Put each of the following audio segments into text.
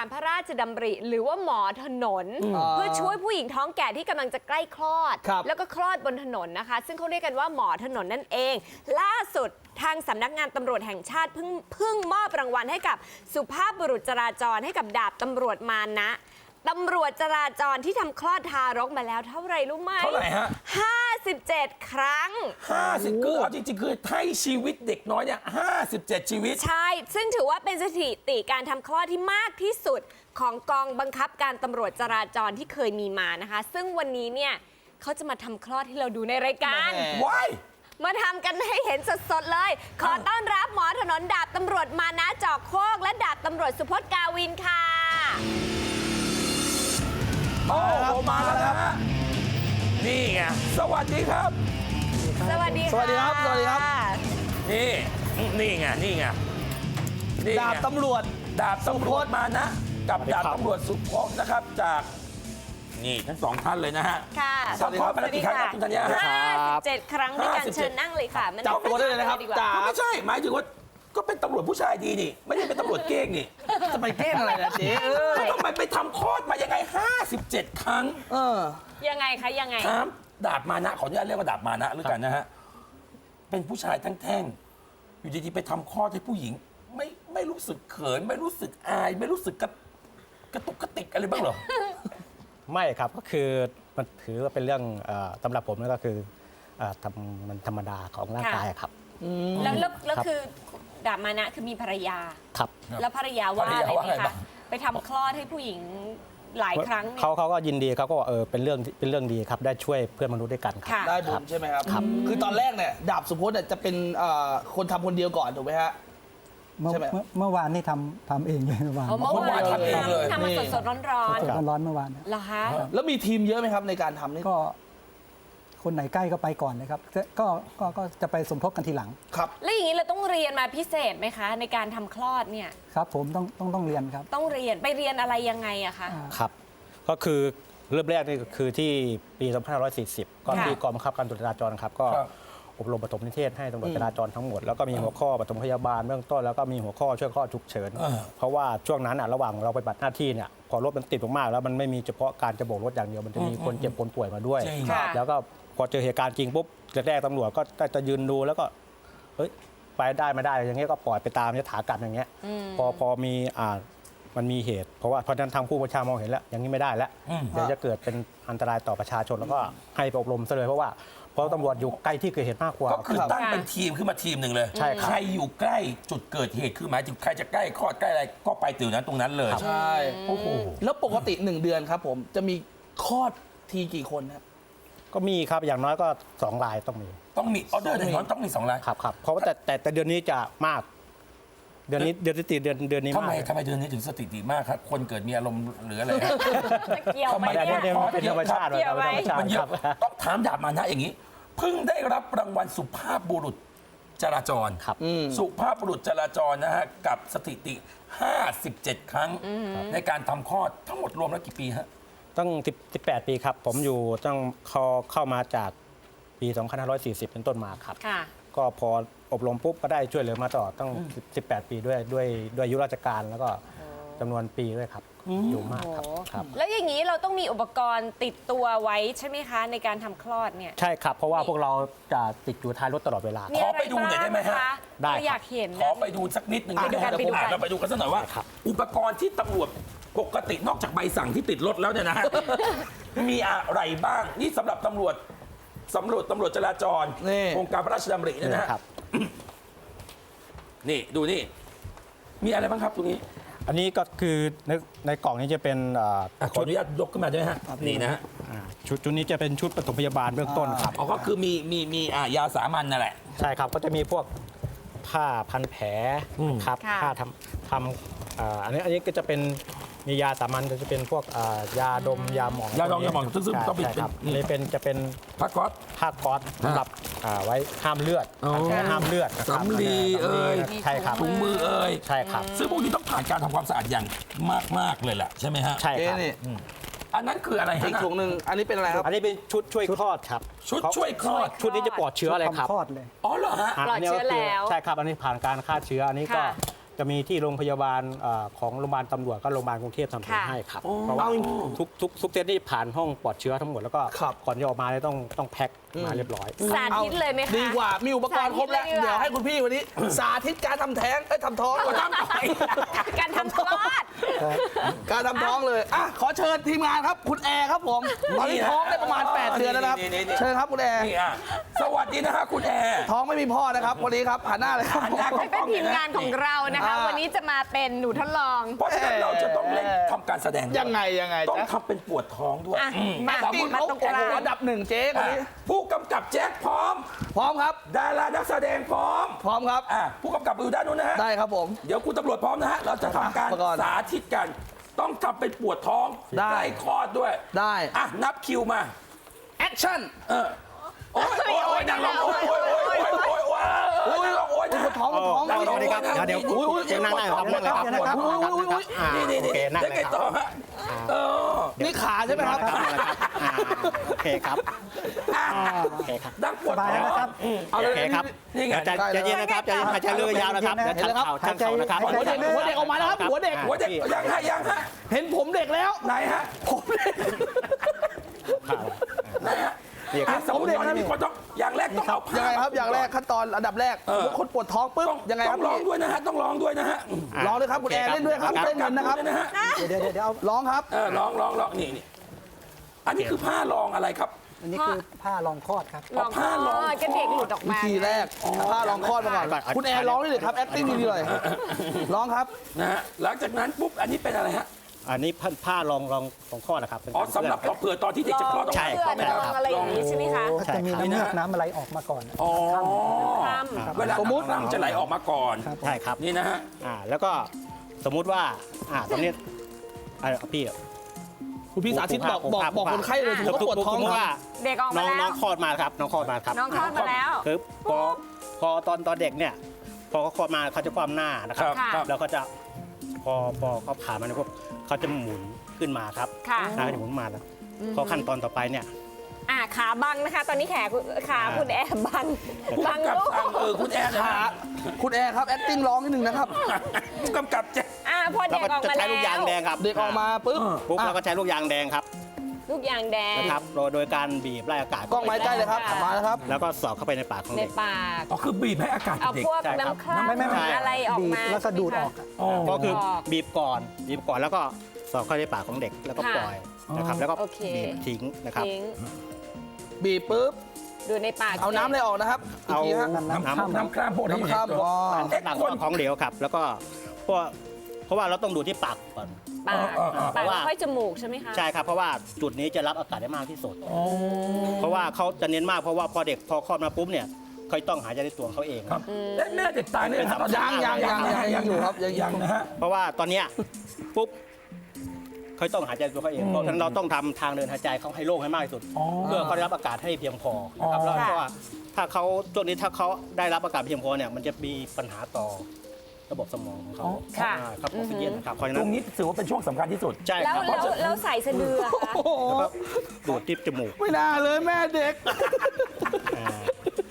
การพระราชดำริหรือว่าหมอถนน เพื่อช่วยผู้หญิงท้องแก่ที่กำลังจะใกล้คลอด แล้วก็คลอดบนถนนนะคะ ซึ่งเขาเรียกกันว่าหมอถนนนั่นเอง ล่าสุดทางสำนักงานตำรวจแห่งชาติเพิ่งมอบรางวัลให้กับสุภาพบุรุษจราจรให้กับดาบตำรวจมานะตำรวจจราจรที่ทำคลอดทารกมาแล้วเท่าไหร่รู้ไหมเท่าไหร่ฮะ 57 ครั้ง 50คือเอาจริงๆคือให้ชีวิตเด็กน้อยเนี่ย57 ชีวิตใช่ซึ่งถือว่าเป็นสถิติการทำคลอดที่มากที่สุดของกองบังคับการตำรวจจราจรที่เคยมีมานะคะซึ่งวันนี้เนี่ยเขาจะมาทำคลอดให้เราดูในรายการว้ายมาทำกันให้เห็นสดๆเลยขอต้อนรับหมอถนนดาบตำรวจมานะจอกโคกและดาบตำรวจสุพจน์กาวินค่ะโอ้โหมาแล้วนะฮะนี่ไงสวัสดีครับสวัสดีค่ะสวัสดีครับสวัสดีครับนี่ไงดาบตำรวจมานะกับดาบตำรวจสุพจน์นะครับจากนี่ทั้งสองท่านเลยนะฮะค่ะสวัสดีครับกี่ครั้งครับคุณธัญญา 57 ครั้งด้วยกันเชิญนั่งเลยค่ะจับตัวได้เลยนะครับไม่ใช่หมายถึงว่าก็เป็นตำรวจผู้ชายดีนี่ไม่ได้เป็นตำรวจเก้งนี่จะไปเก้งอะไรนะเจ๊ทำไมไปทำคลอดมายังไง57 ครั้งยังไงคะยังไงถามดาบมานะขออนุญาตเรียกว่าดาบมานะหรือกันนะฮะเป็นผู้ชายทั้งแท่งอยู่ดีๆไปทำคลอดให้ผู้หญิงไม่รู้สึกเขินไม่รู้สึกอายไม่รู้สึกกระตุกกระติกอะไรบ้างเหรอไม่ครับก็คือมันถือว่าเป็นเรื่องสำหรับผมนั่นก็คือมันธรรมดาของร่างกายครับแล้วคือดาบมานะคือมีภรรยาครับแล้วภรรยาว่าอะไรไหมคะไปทำคลอดให้ผู้หญิงหลายครั้งเขาก็ยินดีเขาก็เป็นเรื่องดีครับได้ช่วยเพื่อนมนุษย์ด้วยกันครับได้บุญใช่ไหมครับคือตอนแรกเนี่ยดาบสุพจน์จะเป็นคนทำคนเดียวก่อนถูกไหมฮะใช่ไหมเมื่อวานนี่ทำเองเลยเมื่อวานทำเองเลยทำมาสดๆร้อนเมื่อวานเหรอคะแล้วมีทีมเยอะไหมครับในการทำนี่ก็คนไหนใกล้ก็ไปก่อนเลยครับก็จะไปสมทบกันทีหลังครับแล้วอย่างนี้เราต้องเรียนมาพิเศษไหมคะในการทำคลอดเนี่ยครับผมต้องเรียนครับต้องเรียนไปเรียนอะไรยังไงอะคะครับก็คือเริ่มแรกนี่คือที่ปี2540ก็ที่กองบังคับการตำรวจจราจรครับก็อบรมปฐมนิเทศให้ตำรวจจราจรทั้งหมดแล้วก็มีหัวข้อปฐมพยาบาลเบื้องต้นแล้วก็มีหัวข้อช่วยคลอดฉุกเฉินเพราะว่าช่วงนั้นระหว่างเราไปปฏิบัติหน้าที่เนี่ยพอรถมันติดมากๆแล้วมันไม่มีเฉพาะการจะโบกรถอย่างเดียวมันจะมีคนเจ็บคนป่วยมาด้วยแล้วก็พอเจอเหตุการณ์จริงปุ๊บแรกๆตำรวจก็จะยืนดูแล้วก็ไปได้ไม่ได้อย่างเงี้ยก็ปล่อยไปตามยถากรรมอย่างเงี้ยพอมีมันมีเหตุเพราะว่าเพราะฉะนั้นทางผู้บัญชามองเห็นแล้วอย่างนี้ไม่ได้แล้วเดี๋ยวจะเกิดเป็นอันตรายต่อประชาชนแล้วก็ให้ไปอบรมซะเลยเพราะว่าเพราะตำรวจอยู่ใกล้ที่เกิดเหตุมากกว่าก็คือตั้งเป็นทีมขึ้นมาทีมหนึ่งเลยใครอยู่ใกล้จุดเกิดเหตุคือหมายถึงใครจะใกล้คลอดใกล้อะไรก็ไปถึงนั้นตรงนั้นเลยใช่โอ้โหแล้วปกติ1 เดือนครับผมจะมีคลอดทีกี่คนครับก็มีครับอย่างน้อยก็2 รายต้องมีออเดอร์อย่างน้อยต้องมี2 รายครับเพราะว่าแต่เดือนนี้จะมากเดือนนี้เดือนนี้ทำไมเดือนนี้ถึงสถิติมากครับคนเกิดมีอารมณ์หรืออะไรเกี่ยวไหมเนี่ยเป็นธรรมชาติมันเยอะต้องถามดาบมานะอย่างนี้เพิ่งได้รับรางวัลสุภาพบุรุษจราจรสุภาพบุรุษจราจรนะฮะกับสถิติ57 ครั้งในการทำคลอดทั้งหมดรวมแล้วกี่ปีฮะตั้ง18 ปีครับผมอยู่ตั้งเข้ามาจากปี2540เป็นต้นมาครับก็พออบรมปุ๊บก็ได้ช่วยเหลือมาตลอดตั้ง18 ปีด้วยอายุราชการแล้วก็จำนวนปีด้วยครับอยู่มากครับแล้วอย่างนี้เราต้องมีอุปกรณ์ติดตัวไว้ใช่ไหมคะในการทำคลอดเนี่ยใช่ครับเพราะว่าพวกเราจะติดอยู่ท้ายรถตลอดเวลาขอไปดูหน่อยได้ไหมฮะได้อยากเห็นขอไปดูสักนิดหนึ่งเราไปดูกันสักหน่อยว่าอุปกรณ์ที่ตำรวจปกตินอกจากใบสั่งที่ติดรถแล้วเนี่ยนะฮะมีอะไรบ้างนี่สำหรับตำรวจจราจรโครงการพระราชดำรินะฮะนี่ดูนี่มีอะไรบ้างครับตรงนี้อันนี้ก็คือในกล่องนี้จะเป็นขออนุญาตยกขึ้นมาด้วยฮะนี่นะฮะชุดนี้จะเป็นชุดปฐมพยาบาลเบื้องต้นครับก็คือมียาสามัญนั่นแหละใช่ครับก็จะมีพวกผ้าพันแผลครับผ้าทำอันนี้ก็จะเป็นมียาสามัญก็จะเป็นพวกยาดมยาหมองซึ่งต้องเป็นจะเป็นผ้าก๊อซสำหรับไว้ห้ามเลือดห้ามเลือดสำลีใช่ครับถุงมือใช่ครับซึ่งพวกนี้ต้องผ่านการทำความสะอาดอย่างมากเลยแหละใช่ไหมฮะใช่ครับอันนั้นคืออะไรอีกถุงหนึ่งอันนี้เป็นอะไรครับอันนี้เป็นชุดช่วยคลอดครับชุดช่วยคลอดชุดนี้จะปลอดเชื้ออะไรครับคลอดเลยปลอดเชื้อแล้วใช่ครับอันนี้ผ่านการฆ่าเชื้ออันนี้ก็จะมีที่โรงพยาบาลของโรงพยาบาลตำรวจก็โรงพยาบาลกรุงเทพทำแผลให้ครับเพราะว่าทุกเซตนี่ผ่านห้องปลอดเชื้อทั้งหมดแล้วก็ครับก่อนจะออกมาเนี่ยต้องแพ็คมาเรียบร้อยสาธิตเลยไหมคะดีกว่ามีอุปกรณ์ครบแล้วสาธิตเลยดีกว่าเดี๋ยวให้คุณพี่วันนี้ สาธิตการทำแท้งทำท้องทำต่อยการทำคลอดการทำท้องเลยอ่ะขอเชิญทีมงานครับ คุณแอร์ครับผมตอนนี้ท้องได้ประมาณ 8 เดือนแล้วนะครับนี่เชิญครับคุณแอร์นี่อ่ะสวัสดีนะฮะคุณแอร์ท้องไม่มีพ่อนะครับวันนี้ครับหันหน้าเลยครับหันหน้าให้เป็นทีมงานของเรานะคะ วันนี้จะมาเป็นหนูทดลองเพราะฉะนั้นเราจะต้องเล่นทำการแสดงด้วยยังไงต้องจ๊ะทำเป็นปวดท้องด้วยอ่ะมามาติ้งมาเขาตรงกโอ้ลาโหงอันดับ 1เจ๊คนนี้ผู้กำกับแจ็คพร้อมพร้อมครับดารานักแสดงพร้อมพร้อมครับผู้กำกับอยู่ด้านนู้นนะฮะได้ครับผมเดี๋ยวคุณตำรวจพร้อมนะฮะ เราจะทำการอุปกรณ์สาธิตกัน ต้องทำเป็นปวดท้องได้ใกล้คลอดด้วยได้อ่ะ นับคิวมาแอคชั่นโอ้ยนางร้องโอ้ยนะท้องท้องนั่งลงสวัสดีครับเดี๋ยว นั่งได้ครับนั่งเลยครับนี่โอเคนั่งได้เลไงยคต่อรับฮะนี่ขาใช่ไหมครับโอเคครับโอเคครับดังปวดสบายท้แล้วองนะครับเอาโอเลยเคครับนี่ไงใจเย็นนะครับใจเย็นหายใจเรือยาวนะครับเดี๋ยวชันเข่าชันเข่านะครับหัวเด็กออกมาแล้วครับหัวเด็กหัวเด็กยังฮะเห็นผมเด็กแล้วไหนฮะผมเด็กไหนฮะนี่ครับสมมติตอนนี้มีคนต้องอย่างแรกต้องเอาผ้ายังไงครับอย่างแรกขั้นตอนอันดับแรกคนปวดท้องปุ๊บต้องยังไงคต้รัอบ งร้องด้วยนะฮะต้องร้องด้วยนะฮะร้องเลยครับคุณแอร์เล่นด้วยครับเล่นเงินนะครับนะฮะเดี๋ยวเอาร้องครับร้องนี่อันนี้คือผ้ารองอะไรครับอันนี้คือผ้ารองคลอดครับลองผ้ารองก็เด็กหลุดออกวิมาธีแรกผ้ารองคลอดมาก่อนคุณแอร์ร้องได้เลยครับ acting ดีๆเลยร้องครับนะฮะหลังจากนั้นปุ๊บอันนี้เป็นอะไรฮะอันนี้ผ้ารองของข้อนะครับเป็นอ๋อการสำหรับเผื่อตอนที่เด็กจะคลอดออกใช่มาเพื่อนลองอะไรอย่างนี้ใช่ไหมคะก็จะมีน้ำเลือดน้ำอะไรออกมาก่อนอ๋อคร่ำเวลาสมมติจะไหลออกมาก่อนครับใช่ครับนี่นะฮะแล้วก็สมมุติว่าตรงนี้พี่คุณพี่สาธิตบอกคนไข้เลยถึงว่าปวดท้องสมมติว่าเด็กออกมาแล้วน้องคลอดมาครับน้องคลอดมาครับน้องคลอดมาแล้วคือพอตอนเด็กเนี่ยพอเขาคลอดมาเขาจะคว่ำหน้านะครับค่ะแล้วก็จะพอเขาผ่านมาเนี่ยพวกเขาจะหมุนขึ้นมาครับค่ะจะหมุนมาแล้วพอขั้นตอนต่อไปเนี่ยขาบังนะคะ ตอนนี้ขาคุณแอบบังผู้บังกำกับลูกสั่งคุณแอนนะขาฮะคุณแอร์ครับ acting ร้องนิดนึงนะครับผู้กำกับแจ็คพอเราเด็กก็ออกจะมาใช้แล้วลูกยางแดงครับเด็กออกมาปุ๊บปุ๊บเราก็ใช้ลูกยางแดงครับลูกยางแดงนะครับโดยการบีบไล่อากาศกล้องไม้ใกล้เลยครับมาแล้วครับแล้วก็สอดเข้าไปในปากของในเด็กปากอ๋อคือบีบให้อากาศเอาเด็กพวกใช่ครับน้ำคร่ำไม่อะไรออกบีบมาแล้วก็ดูดออกอ๋อก็คือบีบก่อนแล้วก็สอดเข้าในปากของเด็กแล้วก็ปล่อยนะครับแล้วก็โอเคบีบทิ้งนะครับทิ้งบีบปุ๊บดูในปากเอาน้ำอะไรออกนะครับอีกเอาทีฮะน้ำคร่ำพวกนี้น้ำคร่ำตัวต่างๆของเหลวครับ แล้วก็เพราะว่าเราต้องดูที่ปากก่อนปากเพราะว่าค่อยจมูกใช่ไหมคะใช่ครับเพราะว่าจุดนี้จะรับอากาศได้มากที่สุดเพราะว่าเขาจะเน้นมากเพราะว่าพอเด็กพอคลอดมาปุ๊บเนี่ยเขาต้องหายใจในตัวเขาเองครับแม่เด็กตายเนี่ยนะตอนนี้ยังอยู่ครับยังยังนะฮะเพราะว่าตอนเนี้ยปุ๊บเขาต้องหายใจตัวเขาเองเพราะฉะนั้นเราต้องทำทางเดินหายใจเขาให้โล่งให้มากที่สุด เพื่อเขาได้รับอากาศให้เพียงพอนะครับแล้วก็ถ้าเขาช่วงนี้ถ้าเขาได้รับอากาศเพียงพอเนี่ยมันจะมีปัญหาต่อระบบสมองของเขาค่ะครับออกซิเจนนะครับเพราะฉะตนั้รนงนี้ถือว่าเป็นช่วงสำคัญที่สุดใช่แล้วครับแล้วใส่สะดืออะคะโอ้โหแล้วก็ดูดที่จมูกไม่น่าเลยแม่เด็กอ่า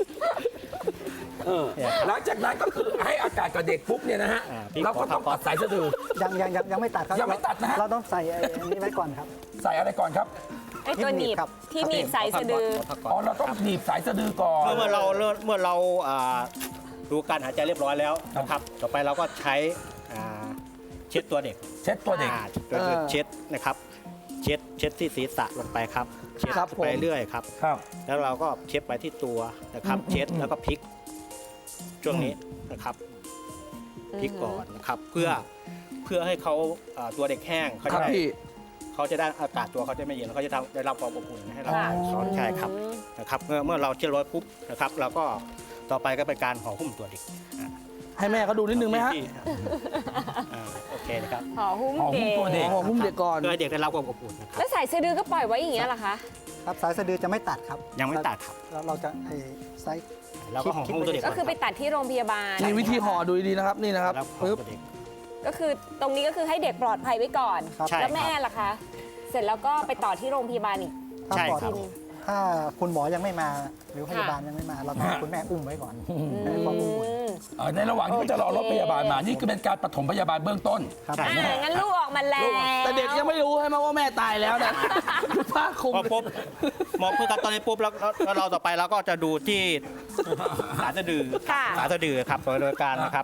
หลังจากนั้นก็คือให้อากาศกับเด็กปุ๊บเนี่ยนะฮะพี่เราก็ต้องตัดสายสะดือยังไม่ตัดครับยังไม่ตัดนะฮะเราต้องใส่อันนี้ไว้ก่อนครับใส่อะไรก่อนครับไอ้ตัวหนีบครับที่หนีบใส่สะดืออ๋อเราต้องหนีบสายสะดือก่อนเมื่อเราดูการหายใจเรียบร้อยแล้วนะครับ ต่อไปเราก็ใช้เช็ดตัวเด็กเช็ดตัวเด็กเช็ดนะครับ เช็ดที่ศีรษะลงไปครับ เช็ดครับผมไปเรื่อยครับครับแล้วเราก็เช็ดไปที่ตัวนะครับ เช็ดแล้วก็พลิกช่วงนี้นะครับพลิกก่อนนะครับ เพื่อให้เขาตัวเด็กแห้งเขาครัจะบได้พี่เขาจะได้อากาศตัวเขาจะไม่เย็นแล้วเขาจะได้รับความอบอุ่นให้เราค่ะเขาใช่ครับนะครับเมื่อเราเช็ดร้อยปุ๊บนะครับเราก็ต่อไปก็เป็นการห่อหุ้มตัวเด็กให้แม่เขาดูนิดนึงไหมฮะโอเคนะครับห่อหุ้มห่อหุ้มตัวเด็เด็กกห่อหุ้มเด็กก่อนเพื่อให้เด็กได้รับความอบอุ่นนะครับแล้วใส่สะดือก็ปล่อยไว้อย่างเงี้ยเหรอคะครับสายสะดือจะไม่ตัดครับยังไม่ตัดครับแล้วเราจะไซส์แล้วก็ห่อหุ้มตัวเด็กก็คือไปตัดที่โรงพยาบาลมีวิธีห่อดูดีๆนะครับนี่นะครับแล้วห่อปึ๊บตัวเด็กก็คือตรงนี้ก็คือให้เด็กปลอดภัยไว้ก่อนครับใช่แล้วแม่ล่ะคะ เสร็จแล้วก็ไปต่อที่โรงพยาบาลอีกถ้าใช่ปลอดครับทีนึงถ้าคุณหมอยังไม่มาหรือพยาบาลยังไม่มา เราต้องให้คุณแม่อุ้มไว้ก่อนให้ความอบอุ่นในระหว่างที่เขาจะรอรถพยาบาลมา นี่คือเป็นการปฐมพยาบาลเบื้องต้นครับงั้นลูกออกมาแล้วแต่เด็กยังไม่รู้ใช่ไหมว่าแม่ตายแล้วนะผ้าคลุมพอปุ๊บหมอพูดกันตอนนี้ปุ๊บแล้วเราต่อไปเราก็จะดูที่สารสะดือค่ะสารสะดือครับโดยการนะครับ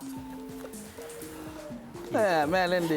แม่เล่นดี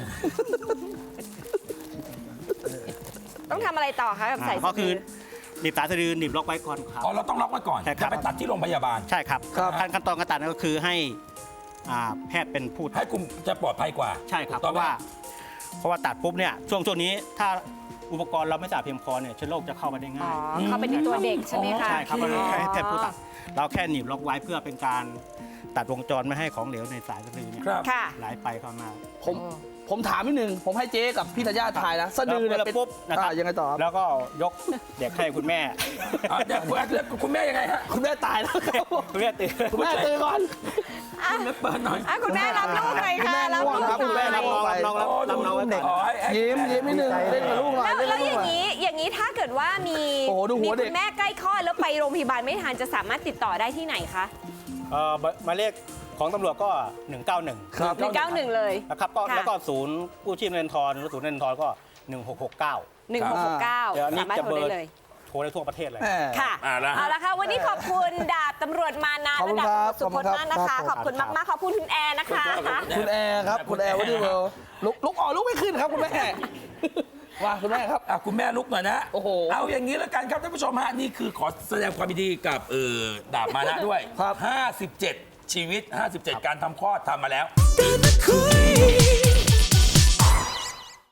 ต้องทำอะไรต่อคะกับสายก็สะคืดืออหนีบสายสะดือหนีบล็อกไว้ก่อนครับอ๋อเราต้องล็อกไว้ก่อนใช่ครับจะไปตัดที่โรงพยาบาลใช่ครับครับขั้นตอนการตัดนั่นก็คือให้แพทย์เป็นผู้ให้คุณจะปลอดภัยกว่าใช่ครับถูกเพต้องราะไหมว่าเพราะว่าตัดปุ๊บเนี่ยช่วงนี้ถ้าอุปกรณ์เราไม่สะอาดเพียงพอเนี่ยเชื้อโรคจะเข้ามาได้อ๋ง่าอย เข้าไปในตัวเด็กใช่ไหมคะใช่ครับเราแค่ให้แพทย์ผู้ตัดเราแค่หนีบล็อกไว้เพื่อเป็นการตัดวงจรไม่ให้ของเหลวในสายสะดือเนี่ยครับค่ะไหลไปเข้ามาผมถามนิดนึงผมให้เจ๊กับพี่ธัญญาทายนะสะดือเนี่ยแล้วเป็นปุ๊บนะครับยังไงต่อครับแล้วก็ยกเด็กให้คุณแม่เดี๋ยวคุณแม่ยังไงฮะคุณแม่ตายแล้วครับคุณแม่ตื่นคุณแม่ตื่นก่อนคุณแม่เปิดหน่อยคุณแม่รับลูกหน่อยค่ะ รับลูกครับหคุณน่แม่อยรับน้องน้องไว้ก่อนอ๋อให้ยิ้มนิดนึงเล่นกับลูกหน่อยแล้วเล่นแล้กับวลูอกหย่าน่งอยนี้อย่างนี้ถ้าเกิดว่ามีโอ้โหดูหัวเด็กคุณแม่ใกล้คลอดแล้วไปโรงพยาบาลไม่ทันจะสามารถติดต่อได้ที่ไหนคะหมายเลขของตำรวจก็ 191 ครับ 191เลยนะครับก็ค่ะแล้วก็ศูนย์กู้ชีพเงินทอนหรือศูนย์เงินทอนก็ 1669 1669 เดี๋ยวอันนี้สามารถจะโทรเบอได้ร์เลยโทรได้ทั่วประเทศเลยแม่ค่ะแล้วเอาละค่ะ วันนี้ขอบคุณดาบตำรวจมานะขอบและคุณดาบครับตำรวจสุพจน์มากนะคะขขออบบ คุคุณ ณครับมากๆขอบคุณคุณแอร์นะคะคุณแอร์ครับคุณแอร์วันนี้เวิลด์ลุกออกลุกไม่ขึ้นครับคุณแม่ว่าคุณแม่ครับคุณแม่ลุกหน่อยนะโอ้โหเอาอย่างนี้แล้วกันครับท่านผู้ชมฮะนี่คือขอแสดงความยินดีกับดาบมานะด้วยครับ 57 ชีวิต 57 การทำคลอดทำมาแล้วตื่นมาคุย